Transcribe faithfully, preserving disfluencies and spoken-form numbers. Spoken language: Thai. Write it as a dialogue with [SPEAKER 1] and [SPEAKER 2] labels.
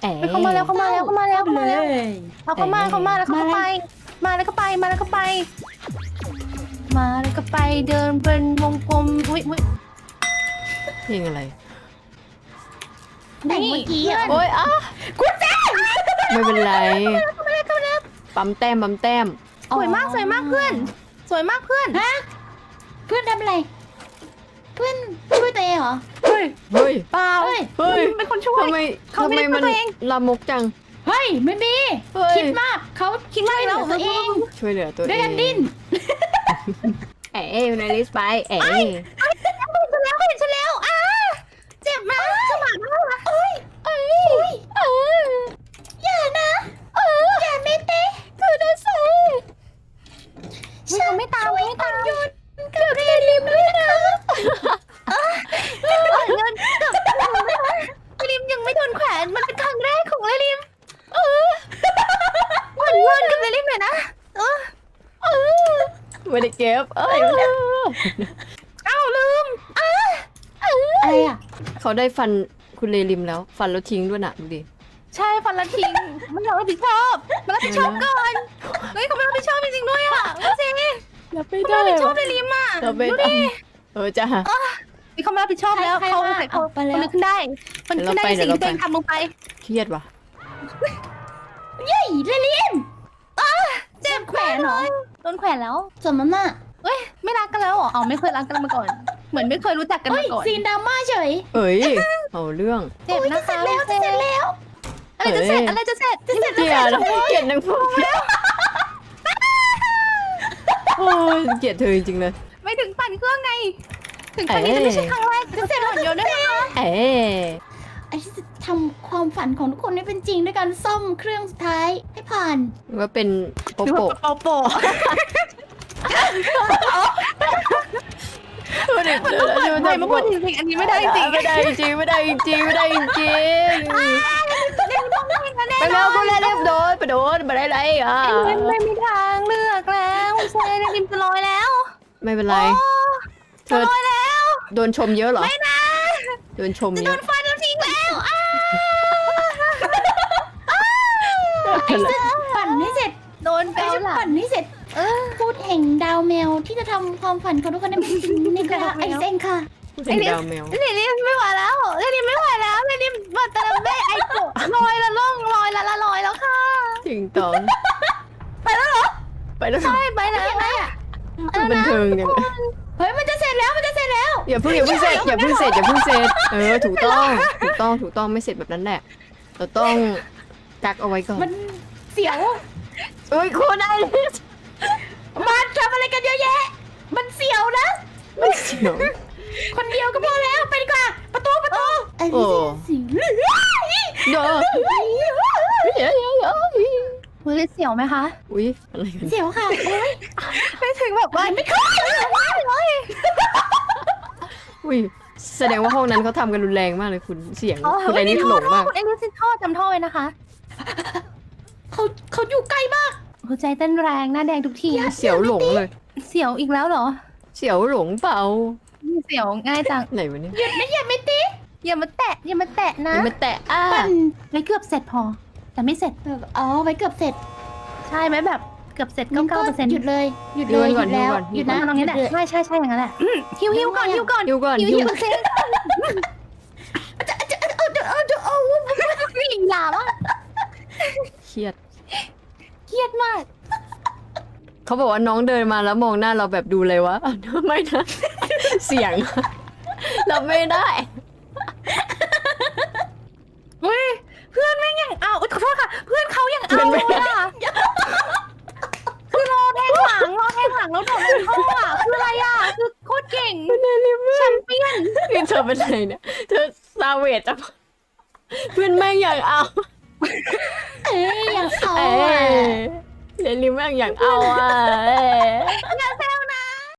[SPEAKER 1] เขามาแล้วเขามาแล้วเขามาแล้วเขามาแล้ว
[SPEAKER 2] เลย
[SPEAKER 1] เอาเขามาเขามาแล้วเขาก็ไป มาแล้วก็ไปมาแล้วก็ไป มาแล้วก็ไปเดินเป็นวงกลมอุ้ยอุ้ย
[SPEAKER 3] เพลงอะไร
[SPEAKER 2] แต่งเมื่อกี้อ่ะ
[SPEAKER 3] โอ้ยอ่ะ
[SPEAKER 1] คุณแจ๊
[SPEAKER 3] ไม่เป็นไร
[SPEAKER 1] เข้ามาแล้วเข้ามาแล้ว
[SPEAKER 3] ปั๊มแต้มปั๊มแต้ม
[SPEAKER 1] สวยมากสวยมากเพื่อน สวยมากเพื่อน
[SPEAKER 2] ฮะเพื่อนทำอะไร เพื่อนช่วยตัวเองเหรอ
[SPEAKER 1] เฮ้ย
[SPEAKER 3] เฮ้ย
[SPEAKER 1] เปล่า
[SPEAKER 2] เฮ้ย
[SPEAKER 3] เฮ้ย
[SPEAKER 1] เป็นคนช่วย
[SPEAKER 3] ทำไม
[SPEAKER 1] เขา
[SPEAKER 3] ทำ
[SPEAKER 1] ไม่
[SPEAKER 3] ไม
[SPEAKER 1] ได้
[SPEAKER 3] มัน
[SPEAKER 1] ตัวเอง
[SPEAKER 3] ลามกจัง
[SPEAKER 2] เฮ้ยไม่มี
[SPEAKER 3] เฮ้ย
[SPEAKER 2] คิดมากเขาคิดมากแล้วตัวเอง
[SPEAKER 3] ช่วยเหลือตัวเอง
[SPEAKER 2] ด้วยกันดิ้น
[SPEAKER 3] เอ๋อยู่ในลิสต์ไปเอ๋
[SPEAKER 1] เห็นฉันแล้วเห็นฉันแล้วอ้าเจ็บนะสมานมากนะเอ้ยเอ้ยเอ้ย
[SPEAKER 2] อย่านะอย่าเมเต้คือนะสิ
[SPEAKER 1] ฉันไม่ตามไม่ตาม
[SPEAKER 2] หยุดกับเรลิมด้วยนะ
[SPEAKER 1] เงินกับลิมยังไม่โดนแขวนมันเป็นครั้งแรกของลิมเออขวัญเงินกับลิมหน่อยนะเออเออ
[SPEAKER 3] ไม่ได้เก็บเอ้ย
[SPEAKER 1] เอ้าลืมอ้า
[SPEAKER 2] อะไรอ่ะ
[SPEAKER 3] เขาได้ฟันคุณเลริมแล้ว ฟันแล้วทิ้งด้วยนะดูดิ
[SPEAKER 1] ใช่ฟันละทิ้งไม่ยอมรับผิดชอบมารับผิดชอบก่อนเฮ้ยเขาไม่รับผิดชอบจริงๆด้วยอ่ะดูสิ
[SPEAKER 3] รับไม่
[SPEAKER 1] เขา
[SPEAKER 3] ได้
[SPEAKER 1] ไม่รับผิดชอบในลิมอ่ะ
[SPEAKER 3] รับไม่
[SPEAKER 1] ดู
[SPEAKER 3] ได้
[SPEAKER 1] ดิ
[SPEAKER 3] เออจ้า
[SPEAKER 1] นี่เขาไม่รับผิดชอบแล้วเขาเขาเขานึกขึ้นได้มันขึ้นได้ในสิ่งที่ตัวเองทำลงไป
[SPEAKER 3] เครียดว่ะ
[SPEAKER 2] เย้ยเรลิม
[SPEAKER 1] เจ็บแขวนเหรอโดนแขวนแล้ว
[SPEAKER 2] สมน้ำหน้า
[SPEAKER 1] เอ้ยไม่รักกันแล้วเหรออ๋อไม่เคยรักกันมาก่อน เหมือนไม่เคยรู้จักกัน
[SPEAKER 2] เฮ้
[SPEAKER 1] มาย ก่อน
[SPEAKER 2] ซีนดราม่าเฉย
[SPEAKER 3] เอ้ยเอาเรื่อง
[SPEAKER 1] เจ็บนะคะ
[SPEAKER 2] เสร็จแล้วจะเสร็จแล้ว
[SPEAKER 1] อะไรจะเสร็จอะไรจะเสร็จจะเสร็จ
[SPEAKER 3] เกลียดนะเกลียดนางพวกโอ้ยเกลียดเธอจริงๆเลย
[SPEAKER 1] ไม่ถึงปั่นเครื่องไง ถึงครั้งนี้จะไม่ใช่ครั้งแรกจะเสร็จหมดโยนด้วยนะคะ
[SPEAKER 3] เอ๋
[SPEAKER 2] ไอ้ที่จะทำความฝันของทุกคนให้เป็นจริงด้วยการซ่อมเครื่องสุดท้ายให้ผ่าน
[SPEAKER 3] ว่าเป็นโปโปะ
[SPEAKER 1] โปโป
[SPEAKER 3] ดูดิ
[SPEAKER 1] มันต้องเปิดไมค์มาพูดจริงๆอันนี้ไม่ได้จริงๆ
[SPEAKER 3] ไม่ได้จริงไม่ได้จริงไม่ได้จริง
[SPEAKER 1] เล่นต้องเล่นนะแน่
[SPEAKER 3] ไป
[SPEAKER 1] น
[SPEAKER 3] แล้
[SPEAKER 1] อ
[SPEAKER 3] วน กูเล่นเรียบโดนไปโดนไปได้ไรอ่ะ
[SPEAKER 1] ไม่ไม่มีทางเลือกแล้วเซนริมจะลอยแล้ว
[SPEAKER 3] ไม่เป็นไร เธ
[SPEAKER 1] จะ
[SPEAKER 3] อ
[SPEAKER 1] ลอยแล้ว
[SPEAKER 3] โดนชมเยอะเหรอ
[SPEAKER 1] ไม่นะ
[SPEAKER 3] โดนชม
[SPEAKER 1] จะ
[SPEAKER 3] เย
[SPEAKER 1] โด
[SPEAKER 3] อะ
[SPEAKER 1] นฟันแล้วทิ้งแล้วอ้า
[SPEAKER 2] ไอ้จะปั่นให้เสร็จ
[SPEAKER 1] โดน
[SPEAKER 2] ไอ้
[SPEAKER 1] เกา
[SPEAKER 2] จะ
[SPEAKER 1] หลัง
[SPEAKER 2] ปั่นให้เสร็จ
[SPEAKER 1] เออ
[SPEAKER 2] พูดแห่งดาวแมวที่จะทำความฝันของทุกคนให้เป็นจริงนี่ค่ะไอ้เซ็งค่ะ
[SPEAKER 3] พูดถึงดาวแมว
[SPEAKER 1] เรนนี่ไม่ไหวแล้วเรนนี่ไม่ไหวแล้วเรนนี่มาตะลเบ้ไอ้โกลอยละล่องลอยละละลอยแล้วค่ะ
[SPEAKER 3] จริงตอง
[SPEAKER 1] ไปแล้วเหรอ
[SPEAKER 3] ไปแล้ว
[SPEAKER 1] ใช่ไปแล้วนะ
[SPEAKER 3] บันเทิงยัง
[SPEAKER 2] เฮ้ยมันจะเสร็จแล้วมันจะเสร็จแล้ว
[SPEAKER 3] อย่าเพิ่งอย่าเพิ่งเสร็จอย่าเพิ่งเสร็จอย่าเพิ่งเสร็จเออถูกต้องถูกต้องถูกต้องไม่เสร็จแบบนั้นแหละเราต้องกักเอาไว้ก่อน
[SPEAKER 2] มันเสียว
[SPEAKER 3] เอ้ยคุณไอ้
[SPEAKER 2] มันทำอะไรกันเยอะแยะ มันเสียวนะ
[SPEAKER 3] ไม่เสียว
[SPEAKER 2] คนเดียวก็พอแล้วไปดีกว่าประตูประตูไอ้
[SPEAKER 3] โอ้
[SPEAKER 2] เสียว
[SPEAKER 3] เด้อเดี๋ยวเดี๋ยวเดี๋ยว
[SPEAKER 1] มือเสียวไหมคะ
[SPEAKER 3] อุ้ยอะไรกัน
[SPEAKER 2] เสียวค่ะโอ้ย
[SPEAKER 1] ไม่ถึงแบบว่าไม่เข้าเลย
[SPEAKER 3] อุ้ยแสดงว่าห้องนั้นเขาทำกันรุนแรงมากเลยคุณเสียงคุณไอ้นี่หลงมาก
[SPEAKER 1] คุณไอ้นี่ท่อจำท่อไว้นะคะ
[SPEAKER 2] เขาเขาอยู่ใกล้มาก
[SPEAKER 1] หัวใจเต้นแรงหน้าแดงทุกที
[SPEAKER 3] เสียวหลงเลย
[SPEAKER 1] เสียวอีกแล้วเหรอ
[SPEAKER 3] เสียวหลงเปล่า
[SPEAKER 1] เสียวง่ายจัง
[SPEAKER 3] ไหนวะเนี่ย
[SPEAKER 2] หยุดนะอย่าไม่ตี
[SPEAKER 1] อย่ามาแตะอย่ามาแตะนะ
[SPEAKER 3] ยังไม่แตะอ่ะ
[SPEAKER 2] ปั่น
[SPEAKER 1] ไม่เกือบเสร็จพอ แต่ไม่เสร็จ
[SPEAKER 2] อ๋อไว้เกือบเสร็จ
[SPEAKER 1] ใช่ไหมแบบเกือบเสร็จ
[SPEAKER 2] งั้
[SPEAKER 1] เก้าน เก้า
[SPEAKER 2] ก็
[SPEAKER 1] เปอร์เซ็นต์
[SPEAKER 2] หยุดเลยหยุดเลยหยุดแล้วหยุดนะ
[SPEAKER 1] ตรงนี้แหละ
[SPEAKER 2] หยุด
[SPEAKER 1] ใช่ใช่ใช่อย่างนั้นแหละฮิวฮิวก่อนฮิวก่อน
[SPEAKER 3] หิวก่อน
[SPEAKER 1] ฮิว
[SPEAKER 3] หิ
[SPEAKER 1] ฮิ
[SPEAKER 3] ว
[SPEAKER 1] วเซ็งวิ่งลาวะ
[SPEAKER 3] เครียด
[SPEAKER 1] เครียดมาก
[SPEAKER 3] เขาบอกว่าน้องเดินมาแล้วมองหน้าเราแบบดูเลยวะ ไม่นะ เสียง เราไม่ได้
[SPEAKER 1] เฮ้ยเพื่อนแม่งยังเอาขอโทษค่ะ เพื่อนเขายังเอาเลยอะคือรอแทงหลังรอแทงหลังแล้วโดดลงท่ออะคืออะไรอะคือโคตรเก่งแชมเปี้ยน
[SPEAKER 3] คือเธอเป็นไรเนี่ย เธอซาเวจอะเพื่อนแม่งอยากเอา
[SPEAKER 2] เอ้ยอย่างเอา
[SPEAKER 3] เอ้
[SPEAKER 2] อ่ะ
[SPEAKER 3] ยเรนลิมแม่งอยากเอาอ่ะเอ้ย
[SPEAKER 1] อย่าเส